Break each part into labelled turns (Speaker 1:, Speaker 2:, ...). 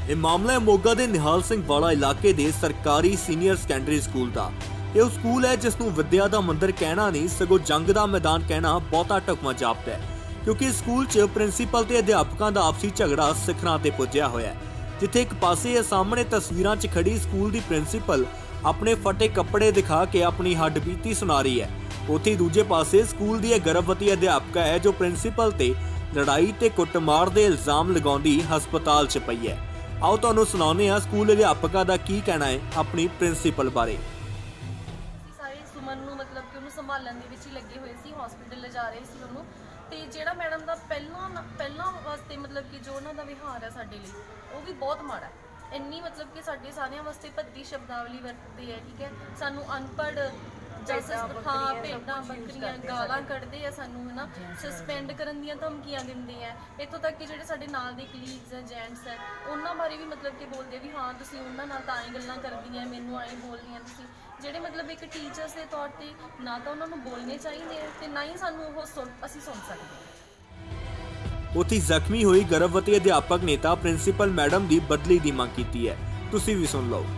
Speaker 1: ਇਹ ਮਾਮਲਾ ਹੈ ਮੋਗਾ ਦੇ ਨਿਹਾਲ ਸਿੰਘ ਵਾਲਾ ਇਲਾਕੇ ਦੇ ਸਰਕਾਰੀ ਸੀਨੀਅਰ ਸੈਕੰਡਰੀ ਸਕੂਲ ਦਾ। ਇਹ ਉਹ ਸਕੂਲ ਹੈ ਜਿਸ ਨੂੰ ਵਿਦਿਆ ਦਾ ਮੰਦਰ ਕਹਿਣਾ ਨਹੀਂ ਸਗੋਂ ਜੰਗ ਦਾ ਮੈਦਾਨ ਕਹਿਣਾ ਬਹੁਤਾ ਢੁਕਵਾਂ ਜਾਪਦਾ ਹੈ, ਕਿਉਂਕਿ ਸਕੂਲ 'ਚ ਪ੍ਰਿੰਸੀਪਲ ਤੇ ਅਧਿਆਪਕਾਂ ਦਾ ਆਪਸੀ ਝਗੜਾ ਸਿਖਰਾਂ ਤੇ ਪੁੱਜਿਆ ਹੋਇਆ ਹੈ। ਜਿੱਥੇ ਇੱਕ ਪਾਸੇ ਇਹ ਸਾਹਮਣੇ ਤਸਵੀਰਾਂ 'ਚ ਖੜੀ ਸਕੂਲ ਦੀ ਪ੍ਰਿੰਸੀਪਲ ਆਪਣੇ ਫਟੇ ਕੱਪੜੇ ਦਿਖਾ ਕੇ ਆਪਣੀ ਹੱਡਬੀਤੀ ਸੁਣਾ ਰਹੀ ਹੈ, ਉੱਥੇ ਦੂਜੇ ਪਾਸੇ ਸਕੂਲ ਦੀ ਇਹ ਗਰਭਵਤੀ ਅਧਿਆਪਕਾ ਹੈ ਜੋ ਪ੍ਰਿੰਸੀਪਲ ਤੇ ਲੜਾਈ ਤੇ ਕੁੱਟਮਾਰ ਦੇ ਇਲਜ਼ਾਮ ਲਗਾਉਂਦੀ ਹਸਪਤਾਲ 'ਚ ਪਈ ਹੈ। ਆਓ ਤੁਹਾਨੂੰ ਸੁਣਾਉਂਦੇ ਹਾਂ ਸਕੂਲ ਅਧਿਆਪਕਾ ਦਾ ਕੀ ਕਹਿਣਾ ਹੈ ਆਪਣੀ ਪ੍ਰਿੰਸੀਪਲ ਬਾਰੇ।
Speaker 2: ਸਾਰੇ ਸੁਮਨ ਨੂੰ ਮਤਲਬ ਕਿ ਉਹਨੂੰ ਸੰਭਾਲਣ ਦੇ ਵਿੱਚ ਹੀ ਲੱਗੇ ਹੋਏ ਸੀ, ਹਸਪੀਟਲ ਲਿਜਾ ਰਹੇ ਸੀ ਉਹਨੂੰ। ਤੇ ਜਿਹੜਾ ਮੈਡਮ ਦਾ ਪਹਿਲਾਂ ਵਾਸਤੇ ਮਤਲਬ ਕਿ ਜੋ ਉਹਨਾਂ ਦਾ ਵਿਹਾਰ ਹੈ ਸਾਡੇ ਲਈ ਉਹ ਵੀ ਬਹੁਤ ਮਾੜਾ ਹੈ। ਇੰਨੀ ਮਤਲਬ ਕਿ ਸਾਡੇ ਸਾਰਿਆਂ ਵਾਸਤੇ ਭੱਦੀ ਸ਼ਬਦਾਵਲੀ ਵਰਤਦੇ ਹੈ, ਠੀਕ ਹੈ। ਸਾਨੂੰ ਅਨਪੜ੍ਹ ਭੇਡਾਂ ਬੱਕਰੀਆਂ ਗਾਲਾਂ ਕੱਢਦੇ ਆ, ਸਾਨੂੰ ਹੈ ਨਾ ਸਸਪੈਂਡ ਕਰਨ ਦੀਆਂ ਧਮਕੀਆਂ ਦਿੰਦੇ ਆ। ਇੱਥੋਂ ਤੱਕ ਕਿ ਜਿਹੜੇ ਸਾਡੇ ਨਾਲ ਦੇ ਕਲੀਗਸ ਹੈ, ਜੈਂਟਸ ਹੈ, ਉਹਨਾਂ ਬਾਰੇ ਵੀ ਮਤਲਬ ਕਿ ਬੋਲਦੇ ਵੀ ਹਾਂ ਤੁਸੀਂ ਉਹਨਾਂ ਨਾਲ ਤਾਂ ਐਂ ਗੱਲਾਂ ਕਰਦੀਆਂ, ਮੈਨੂੰ ਐਂ ਬੋਲਦੀਆਂ ਤੁਸੀਂ, ਜਿਹੜੇ ਮਤਲਬ ਇੱਕ ਟੀਚਰਸ ਦੇ ਤੌਰ ਤੇ ਨਾ ਤਾਂ ਉਹਨਾਂ ਨੂੰ ਬੋਲਣੇ ਚਾਹੀਦੇ ਤੇ ਨਾ ਹੀ ਸਾਨੂੰ ਉਹ ਅਸੀਂ ਸੁਣ ਸਕਦੇ ਹਾਂ।
Speaker 1: ਉੱਥੇ ਜ਼ਖਮੀ ਹੋਈ ਗਰਭਵਤੀ ਅਧਿਆਪਕ ਨੇ ਤਾਂ ਪ੍ਰਿੰਸੀਪਲ ਮੈਡਮ ਦੀ ਬਦਲੀ ਦੀ ਮੰਗ ਕੀਤੀ ਹੈ, ਤੁਸੀਂ ਵੀ ਸੁਣ ਲਓ।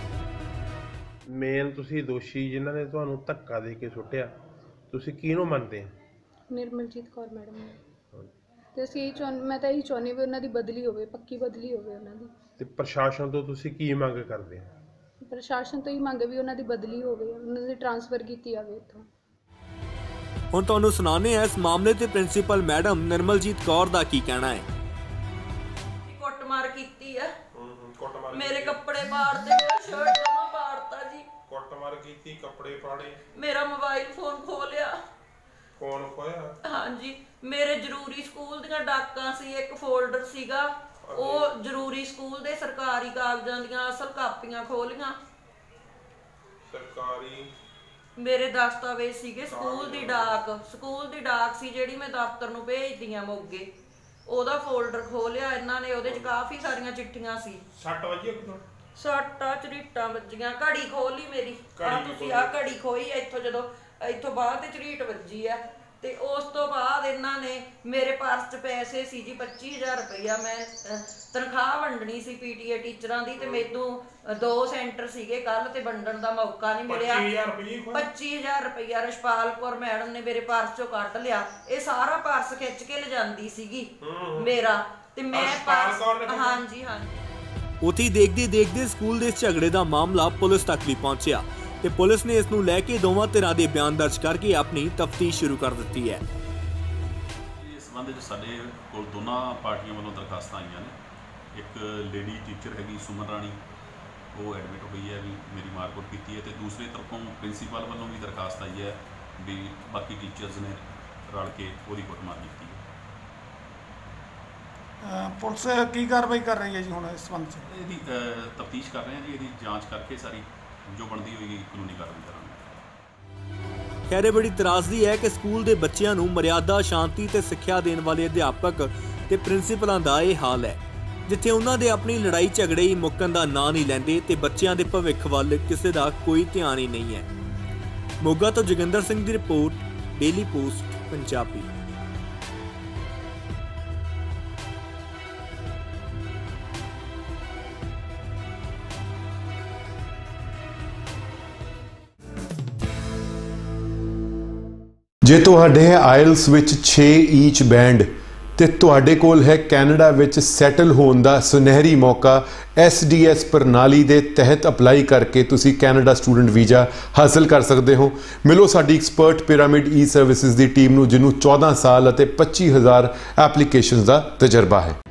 Speaker 3: ਮੇਨ ਤੁਸੀਂ ਦੋਸ਼ੀ ਜਿਨ੍ਹਾਂ ਨੇ ਤੁਹਾਨੂੰ ਧੱਕਾ ਦੇ ਕੇ ਸੁੱਟਿਆ, ਤੁਸੀਂ ਕਿਹਨੂੰ ਮੰਨਦੇ ਹੋ?
Speaker 4: ਨਿਰਮਲਜੀਤ ਕੌਰ ਮੈਡਮ ਨੇ। ਤੇ ਅਸੀਂ ਮੈਂ ਤਾਂ ਇਹੀ ਚਾਹੁੰਦੀ ਵੀ ਉਹਨਾਂ ਦੀ ਬਦਲੀ ਹੋਵੇ, ਪੱਕੀ ਬਦਲੀ ਹੋਵੇ ਉਹਨਾਂ ਦੀ।
Speaker 3: ਤੇ ਪ੍ਰਸ਼ਾਸਨ ਤੋਂ ਤੁਸੀਂ ਕੀ ਮੰਗ ਕਰਦੇ ਹੋ?
Speaker 4: ਪ੍ਰਸ਼ਾਸਨ ਤੋਂ ਹੀ ਮੰਗ ਵੀ ਉਹਨਾਂ ਦੀ ਬਦਲੀ ਹੋਵੇ, ਉਹਨਾਂ ਦੀ ਟ੍ਰਾਂਸਫਰ ਕੀਤੀ ਜਾਵੇ ਇੱਥੋਂ।
Speaker 1: ਹੁਣ ਤੁਹਾਨੂੰ ਸੁਣਾਉਂਦੇ ਹਾਂ ਇਸ ਮਾਮਲੇ ਤੇ ਪ੍ਰਿੰਸੀਪਲ ਮੈਡਮ ਨਿਰਮਲਜੀਤ ਕੌਰ ਦਾ ਕੀ ਕਹਿਣਾ ਹੈ।
Speaker 5: ਕੁੱਟਮਾਰ ਕੀਤੀ ਹੈ, ਮੇਰੇ ਕੱਪੜੇ ਪਾੜਦੇ, ਮੇਰਾ ਸ਼ਰਟ ਜਮਾ ਪਾੜਤਾ ਜੀ।
Speaker 3: ਕੁੱਟਮਾਰ ਕੀਤੀ, ਕੱਪੜੇ ਪਾੜੇ,
Speaker 5: ਮੇਰਾ ਮੋਬਾਈਲ ਫੋਨ ਖੋਹ ਲਿਆ।
Speaker 3: ਕੌਣ ਖੋਇਆ?
Speaker 5: ਹਾਂਜੀ, ਮੇਰੇ ਜ਼ਰੂਰੀ ਸਕੂਲ ਦੀਆਂ ਡਾਕਾਂ ਸੀ, ਇੱਕ ਫੋਲਡਰ ਸੀਗਾ, ਉਹ ਜ਼ਰੂਰੀ ਸਕੂਲ ਦੇ ਸਰਕਾਰੀ ਕਾਗਜ਼ਾਂ ਦੀਆਂ ਅਸਲ ਕਾਪੀਆਂ ਖੋਹ ਲੀਆਂ।
Speaker 3: ਸਰਕਾਰੀ
Speaker 5: ਮੇਰੇ ਦਸਤਾਵੇਜ਼ ਸੀਗੇ, ਸਕੂਲ ਦੀ ਡਾਕ ਸੀ ਜਿਹੜੀ ਮੈਂ ਦਫ਼ਤਰ ਨੂੰ ਭੇਜਦੀ ਆ ਮੋਗੇ, ਉਹਦਾ ਫੋਲਡਰ ਖੋਹ ਲਿਆ ਇਹਨਾਂ ਨੇ। ਉਹਦੇ 'ਚ ਕਾਫੀ ਸਾਰੀਆਂ ਚਿੱਠੀਆਂ ਸੀ।
Speaker 3: 6 ਵਜੇ
Speaker 5: ਸੱਟਾਂ ਝਰੀਟਾਂ ਵੱਜੀਆਂ, ਘੜੀ ਖੋਹ ਲਈ ਮੇਰੀ। ਤੁਸੀਂ ਆਹ ਘੜੀ ਖੋਈ ਇੱਥੋਂ, ਜਦੋਂ ਇੱਥੋਂ ਬਾਅਦ ਤੇ ਝਰੀਟ ਵੱਜੀ ਆ। ਤੇ ਉਸ ਤੋਂ ਬਾਅਦ ਇਹਨਾਂ ਨੇ ਮੇਰੇ ਪਰਸ 'ਚ ਪੈਸੇ ਸੀ ਜੀ 25,000 ਰੁਪਈਆ। ਮੈਂ ਤਨਖਾਹ ਵੰਡਣੀ ਸੀ PTA ਟੀਚਰਾਂ ਦੀ, ਤੇ ਮੈਨੂੰ 2 ਸੈਂਟਰ ਸੀਗੇ ਕੱਲ, ਤੇ ਵੰਡਣ ਦਾ ਮੌਕਾ ਨਹੀਂ ਮਿਲਿਆ। 25,000 ਰੁਪਈਆ ਰਸ਼ਪਾਲ ਕੌਰ ਮੈਡਮ ਨੇ ਮੇਰੇ ਪਰਸ 'ਚੋਂ ਕੱਢ ਲਿਆ। ਇਹ ਸਾਰਾ ਪਰਸ ਖਿੱਚ ਕੇ ਲਿਜਾਂਦੀ ਸੀਗੀ ਮੇਰਾ, ਤੇ ਮੈਂ ਹਾਂਜੀ।
Speaker 1: ਉੱਥੇ ਦੇਖਦੇ ਸਕੂਲ ਦੇ ਝਗੜੇ ਦਾ ਮਾਮਲਾ ਪੁਲਿਸ ਤੱਕ ਵੀ ਪਹੁੰਚਿਆ ਤੇ ਪੁਲਿਸ ਨੇ ਇਸ ਨੂੰ ਲੈ ਕੇ ਦੋਵਾਂ ਧਿਰਾਂ ਦੇ ਬਿਆਨ ਦਰਜ ਕਰਕੇ ਆਪਣੀ ਤਫਤੀਸ਼ ਸ਼ੁਰੂ ਕਰ ਦਿੱਤੀ ਹੈ।
Speaker 6: ਇਸ ਸੰਬੰਧ ਵਿੱਚ ਸਾਡੇ ਕੋਲ ਦੋਨਾਂ ਪਾਰਟੀਆਂ ਵੱਲੋਂ ਦਰਖਾਸਤਾਂ ਆਈਆਂ ਨੇ। ਇੱਕ ਲੇਡੀ ਟੀਚਰ ਹੈਗੀ ਸੁਮਨ ਰਾਣੀ, ਉਹ ਐਡਮਿਟ ਹੋਈ ਹੈ ਵੀ ਮੇਰੀ ਮਾਰਕੁੱਟ ਕੀਤੀ ਹੈ, ਤੇ ਦੂਸਰੇ ਤਰਫੋਂ ਪ੍ਰਿੰਸੀਪਲ ਵੱਲੋਂ ਵੀ ਦਰਖਾਸਤ ਆਈ ਹੈ ਵੀ ਬਾਕੀ ਟੀਚਰਸ ਨੇ ਰਲ ਕੇ ਉਹਦੀ ਕੁੱਟਮਾਰ ਕੀਤੀ ਹੈ।
Speaker 7: ਪੁਲਿਸ ਕੀ ਕਾਰਵਾਈ ਕਰ ਰਹੀ ਹੈ ਜੀ ਹੁਣ ਇਸ ਸੰਬੰਧ 'ਚ?
Speaker 6: ਇਹਦੀ ਤਫਤੀਸ਼ ਕਰ ਰਹੇ ਹਾਂ ਜੀ, ਇਹਦੀ ਜਾਂਚ ਕਰਕੇ ਸਾਰੀ ਜੋ ਬਣਦੀ ਹੋਏਗੀ ਕਾਨੂੰਨੀ ਕਾਰਵਾਈ ਕਰਾਂਗੇ।
Speaker 1: ਖੈਰ ਇਹ ਬੜੀ ਤਰਾਸਦੀ ਹੈ ਕਿ ਸਕੂਲ ਦੇ ਬੱਚਿਆਂ ਨੂੰ ਮਰਿਆਦਾ, ਸ਼ਾਂਤੀ ਤੇ ਸਿੱਖਿਆ ਦੇਣ ਵਾਲੇ ਅਧਿਆਪਕ ਤੇ ਪ੍ਰਿੰਸੀਪਲਾਂ ਦਾ ਇਹ ਹਾਲ ਹੈ, ਜਿੱਥੇ ਉਹਨਾਂ ਦੇ ਆਪਣੀ ਲੜਾਈ ਝਗੜੇ ਹੀ ਮੁੱਕਣ ਦਾ ਨਾਂ ਨਹੀਂ ਲੈਂਦੇ ਤੇ ਬੱਚਿਆਂ ਦੇ ਭਵਿੱਖ ਵੱਲ ਕਿਸੇ ਦਾ ਕੋਈ ਧਿਆਨ ਹੀ ਨਹੀਂ ਹੈ। ਮੋਗਾ ਤੋਂ ਜੋਗਿੰਦਰ ਸਿੰਘ ਦੀ ਰਿਪੋਰਟ, ਡੇਲੀ ਪੋਸਟ ਪੰਜਾਬੀ।
Speaker 8: ਜੇ ਤੁਹਾਡੇ ਆਇਲਸ ਵਿੱਚ 6 ਈਚ ਬੈਂਡ ਤੇ ਤੁਹਾਡੇ ਕੋਲ ਹੈ ਕੈਨੇਡਾ ਵਿੱਚ ਸੈਟਲ ਹੋਣ ਦਾ ਸੁਨਹਿਰੀ ਮੌਕਾ, SDS ਪ੍ਰਣਾਲੀ ਦੇ ਤਹਿਤ ਅਪਲਾਈ ਕਰਕੇ ਤੁਸੀਂ ਕੈਨੇਡਾ ਸਟੂਡੈਂਟ ਵੀਜ਼ਾ ਹਾਸਲ ਕਰ ਸਕਦੇ ਹੋ। ਮਿਲੋ ਸਾਡੀ ਐਕਸਪਰਟ ਪਿਰਾਮਿਡ ਈ ਸਰਵਿਸਿਜ਼ ਦੀ ਟੀਮ ਨੂੰ, ਜਿਹਨੂੰ 14 ਸਾਲ ਅਤੇ 25,000 ਐਪਲੀਕੇਸ਼ਨਸ ਦਾ ਤਜਰਬਾ ਹੈ।